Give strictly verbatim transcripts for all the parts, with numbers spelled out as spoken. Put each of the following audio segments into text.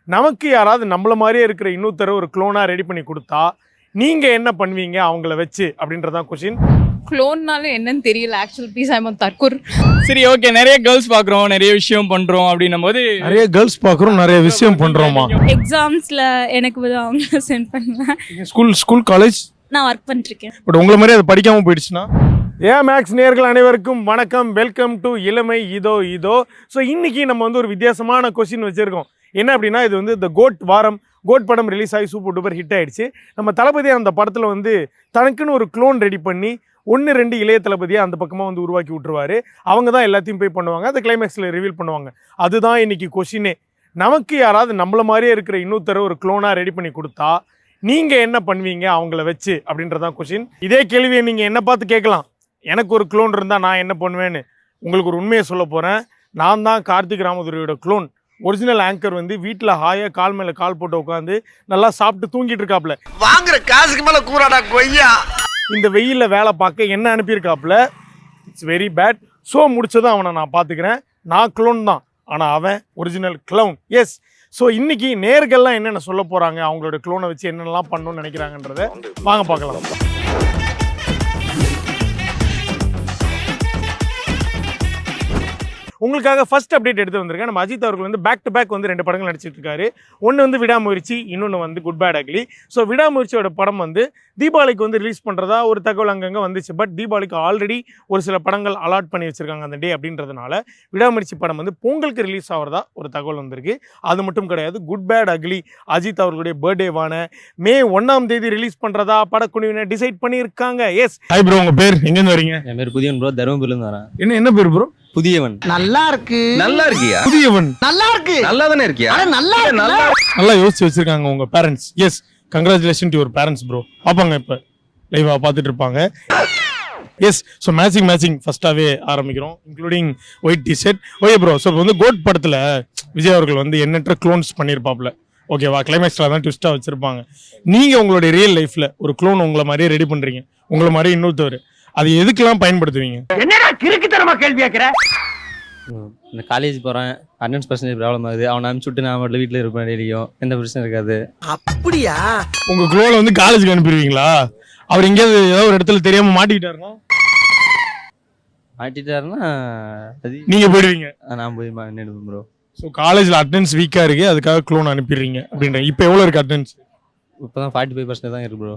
நமக்கு யாராவது நம்மள மாதிரியே இருக்கிற இன்னொருத்தர ஒரு க்ளோனா ரெடி பண்ணி கொடுத்தா நீங்க என்ன பண்ணுவீங்க அவங்கள வச்சு அப்படின்றதான் क्वेश्चन. க்ளோன்னாலும் என்னன்னு தெரியல ஆக்சுவல் ப்ளீஸ் ஐ எம் தற்கூர். சரி ஓகே, நிறைய கேர்ள்ஸ் பார்க்குறோம், நிறைய விஷயம் பண்ணுறோம் அப்படின்னும் போது நிறைய கேர்ள்ஸ் பார்க்குறோம், நிறைய விஷயம் பண்ணுறோமா? எக்ஸாம்ஸில் எனக்கு வந்து அவங்கள சென்ட் பண்ணுவேன். ஸ்கூல் ஸ்கூல் காலேஜ் நான் ஒர்க் பண்ணிருக்கேன். பட் உங்களை மாதிரி அது படிக்காமல் போயிடுச்சுன்னா? ஏ மேக்ஸ் நேயர்கள் அனைவருக்கும் வணக்கம், வெல்கம் டு இளமை இதோ இதோ. ஸோ இன்னைக்கு நம்ம வந்து ஒரு வித்தியாசமான கொஸ்டின் வச்சுருக்கோம். என்ன அப்படின்னா, இது வந்து இந்த கோட் வாரம் கோட் படம் ரிலீஸ் ஆகி சூப்பர் டூப்பர் ஹிட் ஆகிடுச்சு. நம்ம தளபதி அந்த படத்தில் வந்து தனக்குன்னு ஒரு க்ளோன் ரெடி பண்ணி ஒன்று ரெண்டு இளைய தளபதியை அந்த பக்கமாக வந்து உருவாக்கி விட்டுருவாரு. அவங்க தான் எல்லாத்தையும் போய் பண்ணுவாங்க, அந்த கிளைமேக்ஸில் ரிவீல் பண்ணுவாங்க. அதுதான் இன்னைக்கு கொஷினே. நமக்கு யாராவது நம்மள மாதிரியே இருக்கிற இன்னொருத்தர ஒரு க்ளோனாக ரெடி பண்ணி கொடுத்தா நீங்கள் என்ன பண்ணுவீங்க அவங்கள வச்சு அப்படின்றதான் கொஷின். இதே கேள்வியை நீங்கள் என்ன பார்த்து கேட்கலாம், எனக்கு ஒரு க்ளோன் இருந்தால் நான் என்ன பண்ணுவேன்னு. உங்களுக்கு ஒரு உண்மையை சொல்ல போகிறேன். நான் தான் கார்த்திக் ராமதுரையோட க்ளோன். ஒரிஜினல் ஆங்கர் வந்து வீட்டில் ஹாயாக கால் மேலே கால் போட்டு உட்காந்து நல்லா சாப்பிட்டு தூங்கிட்டு இருக்காப்புல. வாங்குற காசுக்கு மேலே கூறாடா கொய்யா. இந்த வெயிலில் வேலை பார்க்க என்ன அனுப்பியிருக்காப்புல. It's very bad. ஷோ முடிச்சதும் அவனை நான் பார்த்துக்கிறேன். நான் க்ளோன் தான், ஆனால் அவன் ஒரிஜினல் க்ளவுன். எஸ். ஸோ இன்னைக்கு நேர்கள்லாம் என்னென்ன சொல்ல போகிறாங்க, அவங்களோட க்ளோனை வச்சு என்னென்னலாம் பண்ணணும்னு நினைக்கிறாங்கன்றதை வாங்க பார்க்கலாம். உங்களுக்காக ஃபர்ஸ்ட் அப்டேட் எடுத்து வந்திருக்கேன். நம்ம அஜித் அவர்கள் வந்து பேக் டு பேக் வந்து ரெண்டு படங்கள் நடிச்சிட்டு இருக்காரு. ஒன்று வந்து விடாமுயற்சி, இன்னொன்று வந்து குட் பேட் அக்லி. ஸோ விடாமுயற்சியோட படம் வந்து தீபாவளிக்கு வந்து ரிலீஸ் பண்ணுறதா ஒரு தகவல் அங்கங்கே வந்துச்சு. பட் தீபாவளிக்கு ஆல்ரெடி ஒரு சில படங்கள் அலாட் பண்ணி வச்சுருக்காங்க அந்த டே அப்படின்றதுனால விடாமுயற்சி படம் வந்து பொங்கலுக்கு ரிலீஸ் ஆகிறதா ஒரு தகவல் வந்திருக்கு. அது மட்டும் கிடையாது, குட் பேட் அக்லி அஜித் அவர்களுடைய பர்த்டேவான மே ஒன்றாம் தேதி ரிலீஸ் பண்ணுறதா படக்குழுவினர் டிசைட் பண்ணியிருக்காங்க. எஸ். ஹாய் ப்ரோ, உங்கள் பேர் எங்கேருந்து வரீங்க? என் பேர் புதியவன் ப்ரோ, தருமபுரியிலேருந்து வரேன். என்ன என்ன பேர் ப்ரோ? புதியவன். நல்லா இருக்கு. நல்லா இருக்கியா? புதியவன். நல்லா இருக்கு. நல்லா தானே இருக்கியா? நல்லா நல்லா நல்லா யோசிச்சு வச்சிருக்காங்க உங்க parents. Yes, congratulation to your parents bro. பார்ப்பாங்க இப்போ லைவா பார்த்துட்டு இருப்பாங்க. எஸ். ஸோ மேட்சிங் மேட்சிங் ஃபர்ஸ்டாகவே ஆரம்பிக்கிறோம், including white T shirt. Okay bro, so வந்து கோட் படத்தில் விஜய் அவர்கள் வந்து எண்ணற்ற க்ளோன்ஸ் பண்ணியிருப்பாப்ல. ஓகேவா, கிளைமேக்ஸில் தான் ட்விஸ்ட்டாக வச்சுருப்பாங்க. நீங்கள் உங்களுடைய ரியல் லைஃப்பில் ஒரு க்ளோன் உங்களை மாதிரியே ரெடி பண்ணுறீங்க, உங்களை மாதிரி இன்னொருத்தவர், அது எதுக்கெல்லாம் பயன்படுத்துவீங்க? என்னடா கிறுக்குத்தனமா கேள்வி கேட்குற? இந்த காலேஜ் போகிறேன், அட்டெண்டன்ஸ் பர்சன்டேஜ் ப்ராப்ளம் ஆகுது, அவனை அனுப்பிச்சு விட்டு நான் மட்டும் வீட்டில் இருப்பேன், டெய்லியும் எந்த பிரச்சனை இருக்காது. அப்படியா? உங்கள் க்ளோனை வந்து காலேஜுக்கு அனுப்பிடுவீங்களா? அவர் எங்கேயாவது ஏதாவது ஒரு இடத்துல தெரியாமல் மாட்டிக்கிட்டாருன்னா? மாட்டிட்டாருன்னா அது நீங்கள் போயிடுவீங்க. நான் போய் நினைப்பேன் ப்ரோ. ஸோ காலேஜில் அட்டெண்டன்ஸ் வீக்காக இருக்குது, அதுக்காக க்ளோன் அனுப்பிடுறீங்க அப்படின்ற. இப்போ எவ்வளோ இருக்குது அட்டெண்டன்ஸ்? இப்போ தான் ஃபார்ட்டி ஃபைவ் பர்சன்டேஜ் தான் இருக்கு ப்ரோ.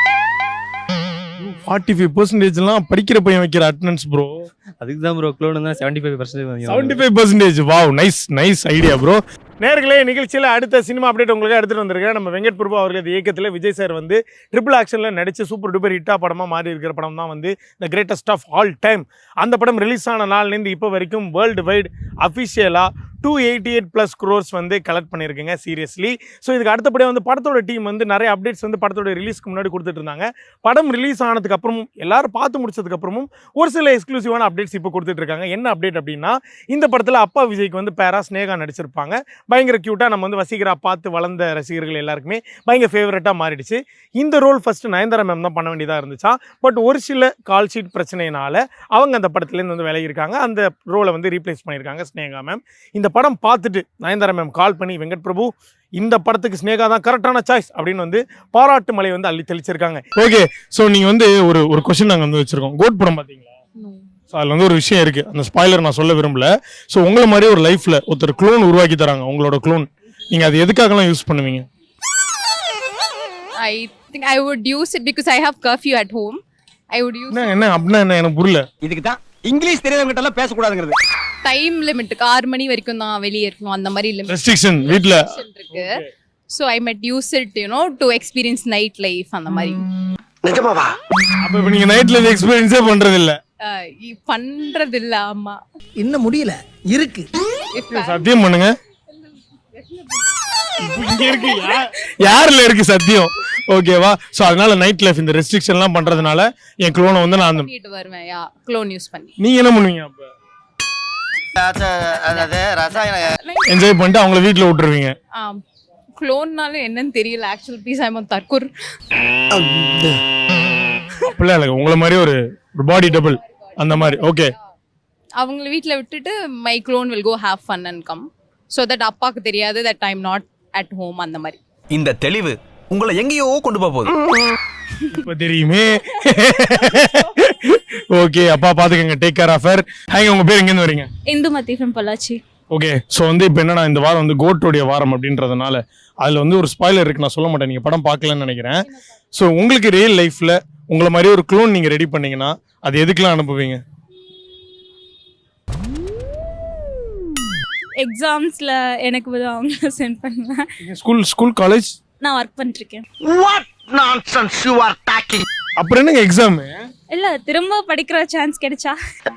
ஃபார்ட்டி ஃபைவ் பர்சன்டேஜ்லாம் படிக்கிற பையன் வைக்கிற அட்டெண்டன்ஸ் ப்ரோ. அதுக்கு தான் ப்ரோ க்ளோன் தான் seventy five percentage. Seventy five percentage wow, nice nice idea bro. நேர்களே, நிகழ்ச்சியில் அடுத்த சினிமா அப்டேட் உங்களுக்கு எடுத்துகிட்டு வந்திருக்கேன். நம்ம வெங்கட் பிரபு அவர்களது இயக்கத்தில் விஜய் சார் வந்து ட்ரிபிள் ஆக்ஷனில் நடித்து சூப்பர் டூப்பர் ஹிட்டா படமாக மாறி இருக்கிற படம் தான் வந்து the greatest of all time. அந்த படம் ரிலீஸ் ஆன நாள்லேருந்து இப்போ வரைக்கும் வேர்ல்டு வைட் அஃபிஷியலாக two eighty eight plus crores வந்து கலெக்ட் பண்ணியிருக்குங்க. சீரியஸ்லி. ஸோ இதுக்கு அடுத்தபடியாக வந்து படத்தோட டீம் வந்து நிறைய அப்டேட்ஸ் வந்து படத்தோட ரிலீஸ்க்கு முன்னாடி கொடுத்துட்டு இருந்தாங்க. படம் ரிலீஸ் ஆனதுக்கு அப்புறமும் எல்லாரும் பார்த்து முடிச்சதுக்கு அப்புறமும் ஒரு சில எக்ஸ்க்ளூசிவான அப்டேட்ஸ் இப்போ கொடுத்துட்டு இருக்காங்க. என்ன அப்டேட் அப்படின்னா, இந்த படத்தில் அப்பா விஜய்க்கு வந்து பேரா ஸ்னேகா நடிச்சிருப்பாங்க. பயங்கர க்யூட்டாக நம்ம வந்து வசீகரா பார்த்து வளர்ந்த ரசிகர்கள் எல்லாருக்குமே பயங்கர ஃபேவரட்டாக மாறிடுச்சு. இந்த ரோல் ஃபஸ்ட்டு நயன்தாரா மேம் தான் பண்ண வேண்டியதாக இருந்துச்சா. பட் ஒரு சில கால் ஷீட் பிரச்சனையினால அவங்க அந்த படத்துலேருந்து வந்து விலகியிருக்காங்க. அந்த ரோலை வந்து ரீப்ளேஸ் பண்ணியிருக்காங்க ஸ்னேகா மேம். இந்த படம் பார்த்துட்டு நயன்தாரா மேம் கால் பண்ணி, வெங்கட் பிரபு இந்த படத்துக்கு ஸ்னேகா தான் கரெக்டான சாய்ஸ் அப்படின்னு வந்து பாராட்டு மலை வந்து அள்ளி தெளிச்சிருக்காங்க. ஓகே. ஸோ நீங்கள் வந்து ஒரு ஒரு கொஸ்டின் நாங்கள் வந்து வச்சுருக்கோம். கோட் படம் பார்த்தீங்களா? ஸோ அதில் வந்து ஒரு விஷயம் இருக்குது, அந்த ஸ்பாய்லர் நான் சொல்ல விரும்பல. ஸோ உங்களை மாதிரி ஒரு லைஃப்பில் ஒருத்தர் க்ளோன் உருவாக்கி தராங்க, உங்களோட க்ளோன். நீங்கள் அது எதுக்காகலாம் யூஸ் பண்ணுவீங்க? I think I would use it because I have curfew at home. I would use என்ன என்ன அப்படின்னா என்ன, எனக்கு புரியல. இதுக்கு தான் இங்கிலீஷ் தெரியாதவங்க கிட்ட எல்லாம் பேசக்கூடாதுங்கிறது. டைம் லிமிட்டுக்கு ஆறு மணி வரைக்கும் தான் வெளியே இருக்கணும், அந்த மாதிரி லிமிட் ரெஸ்ட்ரிக்ஷன் வீட்டில் இருக்கு. So I might use it you know to experience night life அந்த மாதிரி. நிஜமாவா? அப்போ இப்போ நீங்கள் நைட் லைஃப் எக்ஸ்பீரியன்ஸே பண்ணுறது இல்லை? பண்றது இல்ல. ஆமா, இன்னும் முடியல, இருக்கு. சத்தியம் பண்ணுங்க. இங்க இருக்கு, யாருல இருக்கு சத்தியம்? ஓகேவா? சோ அதனால நைட் லைஃப் இந்த ரெஸ்ட்ரிக்ஷன்லாம் பண்றதுனால என் க்ளோனை வந்து நான் பண்ணிட்டு வருவேன். யா, க்ளோன் யூஸ் பண்ணி. நீங்க என்ன பண்ணுவீங்க அப்ப? அதாவது ரசாயன என்ஜாய் பண்ணிட்டு அவங்கள வீட்ல விட்டுருவீங்க. ஆ, க்ளோன்னாலும் என்னன்னு தெரியல ஆக்சுவல் ப்ளீஸ் ஐ எம் தற்கூர். அப்படிலாம் இல்லை, உங்களை மாதிரி ஒரு ஒரு பாடி டபுள் அந்த மாதிரி. ஓகே. அவங்கள வீட்டில் விட்டுட்டு my clone will go have fun and come. So that அப்பாவுக்கு தெரியாது that I am not at home அந்த மாதிரி. இந்த தெளிவு உங்களை எங்கேயோ கொண்டு போக போகுது. இப்ப தெரியுமே. ஓகே, அப்பா பாத்துக்கங்க, take care of her. Hi, உங்க பேர் எங்க இருந்து வரீங்க? Indumathi from Pollachi. Okay, so வந்து இப்போ என்னன்னா இந்த வாரம் வந்து கோட்டோடைய வாரம் அப்படின்றதுனால அதில் வந்து ஒரு ஸ்பாய்லர் இருக்கு, நான் சொல்ல மாட்டேன், நீங்கள் படம் பார்க்கலன்னு நினைக்கிறேன். ஸோ உங்களுக்கு ரியல் லைஃப்பில் உங்களை மாதிரி ஒரு க்ளோன் நீங்கள் ரெடி பண்ணீங்கன்னா அது எதுக்கெல்லாம் அனுப்புவீங்க? எக்ஸாம்ஸில் எனக்கு வந்து அவங்கள சென்ட் பண்ணுவேன். ஸ்கூல் ஸ்கூல் காலேஜ் நான் ஒர்க் பண்ணிருக்கேன். What nonsense you are talking. அப்புறம் என்னங்க எக்ஸாமு? இல்லை, திரும்ப படிக்கிற சான்ஸ் கிடைச்சா.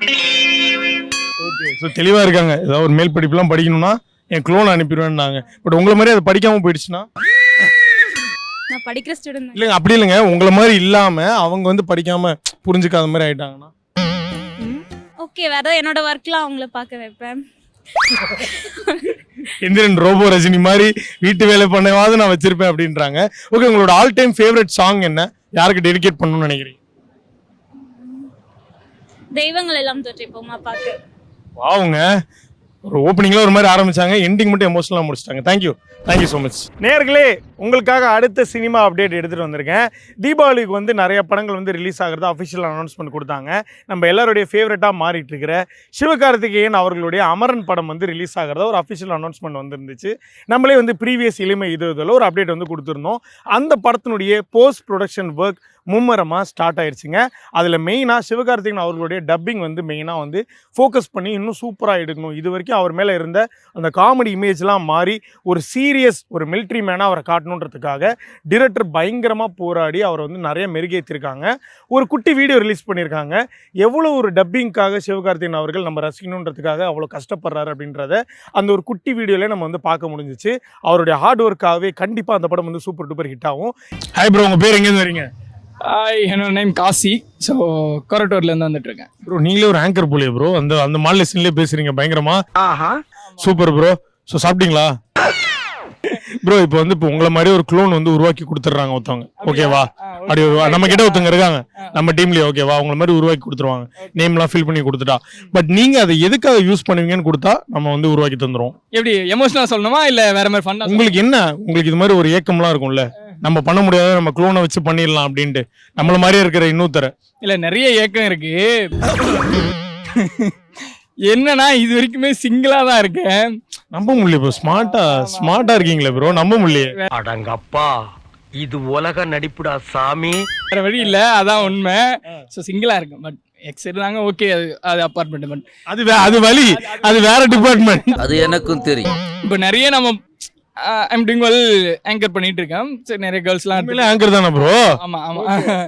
ஓகே, ஸோ தெளிவாக இருக்காங்க. ஏதாவது ஒரு மேல் படிப்புலாம் படிக்கணும்னா என் க்ளோன் அனுப்பிடுவேன்னாங்க. பட் உங்களை மாதிரி அதை படிக்காமல் போயிடுச்சுன்னா? நான் படிக்கிற ஸ்டூடெண்ட். இல்லைங்க, அப்படி இல்லைங்க, உங்களை மாதிரி இல்லாமல் அவங்க வந்து படிக்காமல் புரிஞ்சுக்காத மாதிரி ஆயிட்டாங்கன்னா? ஓகே, வேற ஏதாவது என்னோட ஒர்க்லாம் அவங்கள பார்க்க வைப்பேன். எந்திரன் ரோபோ ரஜினி மாதிரி வீட்டு வேலை பண்ணவாது நான் வச்சிருப்பேன் அப்படின்றாங்க. ஓகே, உங்களோட ஆல் டைம் ஃபேவரட் சாங் என்ன? யாருக்கு டெடிகேட் பண்ணணும்னு நினைக்கிறீங்க? தெய்வங்கள் எல்லாம் தோற்றிப்போமா பாட்டு. வாவுங்க, ஒரு ஓப்பனிங்ல ஒரு மாதிரி ஆரம்பிச்சாங்க, எண்டிங் மட்டும் எமோஷனலாக முடிச்சிட்டாங்க. Thank you thank you so much. நேர்களே, உங்களுக்காக அடுத்த சினிமா அப்டேட் எடுத்துகிட்டு வந்திருக்கேன். தீபாவளிக்கு வந்து நிறைய படங்கள் வந்து ரிலீஸ் ஆகிறதா அஃபிஷியல் அனௌன்ஸ்மெண்ட் கொடுத்தாங்க. நம்ம எல்லாருடைய ஃபேவரட்டாக மாறிட்டு இருக்கிற சிவகார்த்திகேயன் அவர்களுடைய அமரன் படம் வந்து ரிலீஸ் ஆகிறதா ஒரு அஃபிஷியல் அனௌன்ஸ்மெண்ட் வந்துருந்துச்சு. நம்மளே வந்து ப்ரீவியஸ் இளமை இது இதில் ஒரு அப்டேட் வந்து கொடுத்துருந்தோம். அந்த படத்தினுடைய போஸ்ட் ப்ரொடக்ஷன் ஒர்க் மும்மரமாக ஸ்டார்ட் ஆயிடுச்சுங்க. அதில் மெயினாக சிவகார்த்திகேயன் அவர்களுடைய டப்பிங் வந்து மெயினாக வந்து ஃபோக்கஸ் பண்ணி இன்னும் சூப்பராக எடுக்கணும். இது வரைக்கும் அவர் மேலே இருந்த அந்த காமெடி இமேஜ்லாம் மாறி ஒரு சீரியஸ் ஒரு மிலிட்ரி மேனாக அவரை காட்டணுன்றதுக்காக டிரெக்டர் பயங்கரமாக போராடி அவரை வந்து நிறைய மெருகேற்றிருக்காங்க. ஒரு குட்டி வீடியோ ரிலீஸ் பண்ணியிருக்காங்க. எவ்வளோ ஒரு டப்பிங்காக சிவகார்த்திகேயன் அவர்கள் நம்ம ரசிக்கணுன்றதுக்காக அவ்வளோ கஷ்டப்படுறாரு அப்படின்றத அந்த ஒரு குட்டி வீடியோவில் நம்ம வந்து பார்க்க முடிஞ்சிச்சு. அவருடைய ஹார்ட் ஒர்க்காகவே கண்டிப்பாக அந்த படம் வந்து சூப்பர் டூப்பர் ஹிட் ஆகும். ஹாய் ப்ரோ, உங்கள் பேர் எங்கேருந்து வரீங்க? ஹாய், என்னோட நேம் காசி. ஸோ கொரட்டூர்லேருந்து வந்துட்டு இருக்கேன். ப்ரோ, நீங்களே ஒரு ஆங்கர் போலியே ப்ரோ, அந்த அந்த மாநிலத்திலே பேசுறீங்க பயங்கரமா. ஆஹா, சூப்பர் ப்ரோ. ஸோ சாப்பிட்டீங்களா ப்ரோ? இப்போ வந்து இப்போ உங்களை மாதிரி ஒரு க்ளோன் வந்து உருவாக்கி கொடுத்துட்றாங்க ஒருத்தவங்க, ஓகேவா? அப்படி நம்ம கிட்ட ஒருத்தவங்க இருக்காங்க நம்ம டீம்லயே, ஓகேவா? உங்களை மாதிரி உருவாக்கி கொடுத்துருவாங்க, நேம்லாம் ஃபில் பண்ணி கொடுத்துட்டா. பட் நீங்க அதை எதுக்காக யூஸ் பண்ணுவீங்கன்னு கொடுத்தா நம்ம வந்து உருவாக்கி தந்துரும். எப்படி எமோஷனலாக சொல்லணுமா இல்லை வேற மாதிரி ஃபன்னா? உங்களுக்கு என்ன, உங்களுக்கு இது மாதிரி ஒரு ஏக்கம்லாம் இருக்கும்ல, நம்ம பண்ண முடியாத நம்ம க்ளோனை வச்சு பண்ணிடலாம் அப்படின்ட்டு, நம்மள மாதிரியே இருக்கிற இன்னொருத்தர? இல்லை, நிறைய ஏக்கம் இருக்கு. என்னன்னா இது வரைக்குமே சிங்கிளா தான் இருக்கேன். நம்ப முடியல ப்ரோ, ஸ்மார்ட்டா ஸ்மார்ட்டா இருக்கீங்களே ப்ரோ, நம்ப முடியல. அடங்கப்பா, இது உலக நடிப்புடா சாமி. வேற வழி இல்லை, அதான் உண்மை. ஸோ சிங்கிளா இருக்கேன். பட் எக்ஸ் இருந்தாங்க, ஓகே, அது அது அப்பார்ட்மெண்ட். பட் அது வே- அது வழி, அது வேற டிபார்ட்மெண்ட். அது எனக்கும் தெரியும். இப்போ நிறைய நம்ம ஐம் டூயிங் வெல் ஆங்கர் பண்ணிட்டு இருக்கேன். சரி, நிறைய கேர்ள்ஸ்லாம் ஆங்கர் தானே ப்ரோ? ஆமா ஆமா.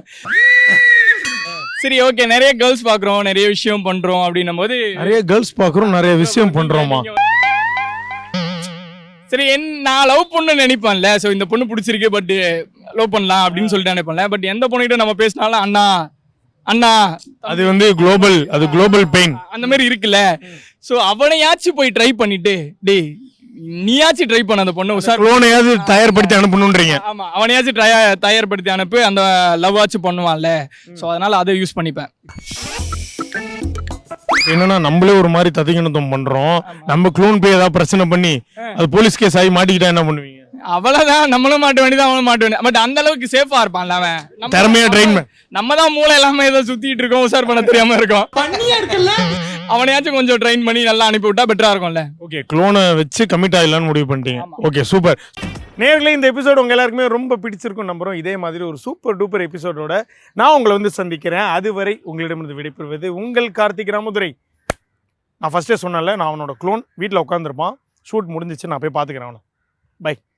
சரி, ஓகே, நிறைய கேர்ள்ஸ் பாக்குறோம், நிறைய விஷயம் பண்றோம் அப்படின்னும் போது நிறைய கேர்ள்ஸ் பாக்குறோம், நிறைய விஷயம் பண்றோமா? சரி, என் நான் லவ் பண்ண நினைப்பேன்ல. ஸோ இந்த பொண்ணு பிடிச்சிருக்கு, பட் லவ் பண்ணலாம் அப்படின்னு சொல்லிட்டு நினைப்பேன்ல. பட் எந்த பொண்ணுகிட்ட நம்ம பேசினாலும் அண்ணா அண்ணா, அது வந்து குளோபல், அது குளோபல் பெயின் அந்த மாதிரி இருக்குல்ல. ஸோ அவனையாச்சும் போய் ட்ரை பண்ணிட்டு, டேய் நீயாச்சும் ட்ரை பண்ண அந்த பொண்ணு உஷார் க்ளோனையாவது தயார்படுத்தி அனுப்பணும்ன்றீங்க. ஆமா, அவனையாச்சும் ட்ரை தயார்படுத்தி அனுப்பு, அந்த லவ் ஆச்சும் பண்ணுவான்ல. ஸோ அதனால அதை யூஸ் பண்ணிப்பேன். என்னன்னா நம்மளே ஒரு மாதிரி ததிகணத்தம் பண்றோம், நம்ம க்ளோன் போய் ஏதாவது பிரச்சனை பண்ணி அது போலீஸ் கேஸ் ஆகி மாட்டிக்கிட்டா என்ன பண்ணுவீங்க? அவ்வளவுதான், நம்மளும் மாட்ட வேண்டியது, அவனும் மாட்ட வேண்டியது. பட் அந்த அளவுக்கு சேஃபா இருப்பான்ல அவன். நம்ம- திறமையா ட்ரெயின் நம்ம தான் மூளை இல்லாம ஏதோ சுத்திட்டு இருக்கோம், உஷார் பண்ண தெரியாம இருக்கோம். அவனையாச்சும் கொஞ்சம் ட்ரெயின் பண்ணி நல்லா அனுப்பி விட்டா பெட்டரா இருக்கும்ல. ஓகே, க்ளோனை வச்சு கமிட் ஆகலான்னு முடிவு பண்ணிட்டீங்க. Okay, super. நேர்களே, இந்த எபிசோடு உங்க எல்லாருக்குமே ரொம்ப பிடிச்சிருக்கும் நம்புறோம். இதே மாதிரி ஒரு சூப்பர் டூப்பர் எபிசோடோட நான் உங்களை வந்து சந்திக்கிறேன். அதுவரை உங்களிடமிருந்து விடைபெறுவது உங்கள் கார்த்திக் ராமதுரை. நான் ஃபர்ஸ்டே சொன்னேன்ல, நான் அவனோட க்ளோன் வீட்டில் உட்காந்துருப்பான், ஷூட் முடிஞ்சிச்சு, நான் போய் பார்த்துக்கிறேன் அவனை. பை.